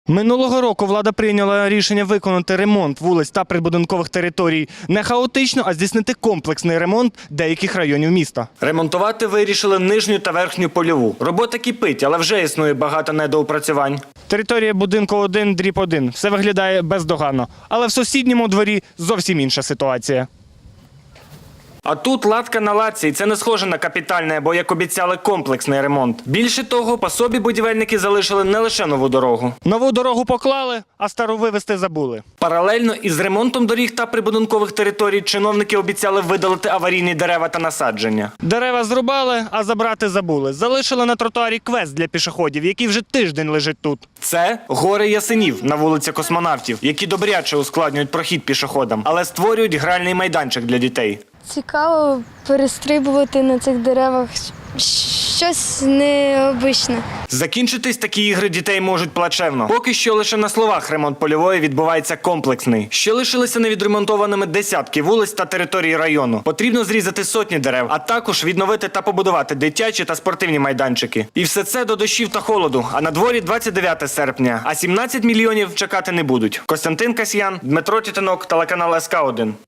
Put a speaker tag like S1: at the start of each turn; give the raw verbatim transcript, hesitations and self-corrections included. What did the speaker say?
S1: Минулого року влада прийняла рішення виконати ремонт вулиць та прибудинкових територій не хаотично, а здійснити комплексний ремонт деяких районів міста. Ремонтувати вирішили нижню та верхню польову. Робота кипить, але вже існує багато недоопрацювань. Територія будинку один дріб один. Все виглядає бездоганно. Але в сусідньому дворі зовсім інша ситуація. А тут латка на латці, і це не схоже на капітальний або, як обіцяли, комплексний ремонт. Більше того, по собі будівельники залишили не лише нову дорогу. Нову дорогу поклали, а стару вивезти забули. Паралельно із ремонтом доріг та прибудинкових територій чиновники обіцяли видалити аварійні дерева та насадження. Дерева зрубали, а забрати забули. Залишили на тротуарі квест для пішоходів, який вже тиждень лежить тут. Це гори ясенів на вулиці Космонавтів, які добряче ускладнюють прохід пішоходам, але створюють гральний майданчик для дітей.
S2: Цікаво перестрибувати на цих деревах. Щось необичне.
S1: Закінчитись такі ігри дітей можуть плачевно. Поки що лише на словах ремонт польової відбувається комплексний. Ще лишилися невідремонтованими десятки вулиць та територій району. Потрібно зрізати сотні дерев, а також відновити та побудувати дитячі та спортивні майданчики. І все це до дощів та холоду. А на дворі двадцять дев'яте серпня. А сімнадцять мільйонів чекати не будуть. Костянтин Касьян, Дмитро Тітинок, телеканал ес ка один.